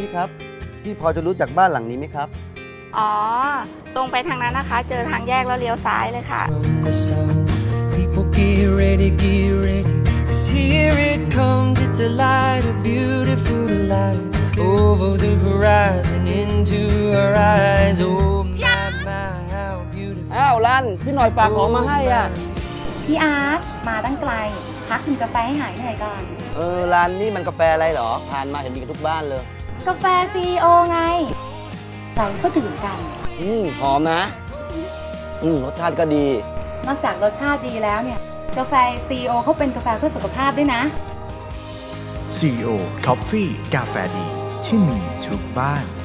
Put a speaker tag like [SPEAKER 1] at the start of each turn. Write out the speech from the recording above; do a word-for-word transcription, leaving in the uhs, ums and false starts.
[SPEAKER 1] ครับพี่พอจะรู้จักบ้านหลังนี้ไหมครับ
[SPEAKER 2] อ๋อตรงไปทางนั้นนะคะเจอทางแยกแล้วเลี้ยวซ้ายเลยค่ะ
[SPEAKER 3] People get ready, get ready. 'Cause here it comes, it's a light, a beautiful light. Over the horizon, into our eyes. Oh my, my, how beautiful.
[SPEAKER 1] อ้าวลันพี่หน่อยฝากของมาให้อ่ะ
[SPEAKER 4] พี่อาร์ตมาตั้งไกลพักกินกาแฟให้หายเหนื่อยก่อน
[SPEAKER 1] เออร้านนี่มันกาแฟอะไรเหรอผ่านมาเห็นมีกันทุกบ้านเลย
[SPEAKER 4] กาแฟซีโอไงเราก็ดื่มกัน
[SPEAKER 1] อืมหอมนะอืมรสชาติก็ดี
[SPEAKER 4] นอกจากรสชาติดีแล้วเนี่ยกาแฟซีโอเขาเป็นกาแฟเพื่อสุขภาพด้วยนะ
[SPEAKER 5] ซี อี โอ Coffee กาแฟดีที่มีทุกบ้าน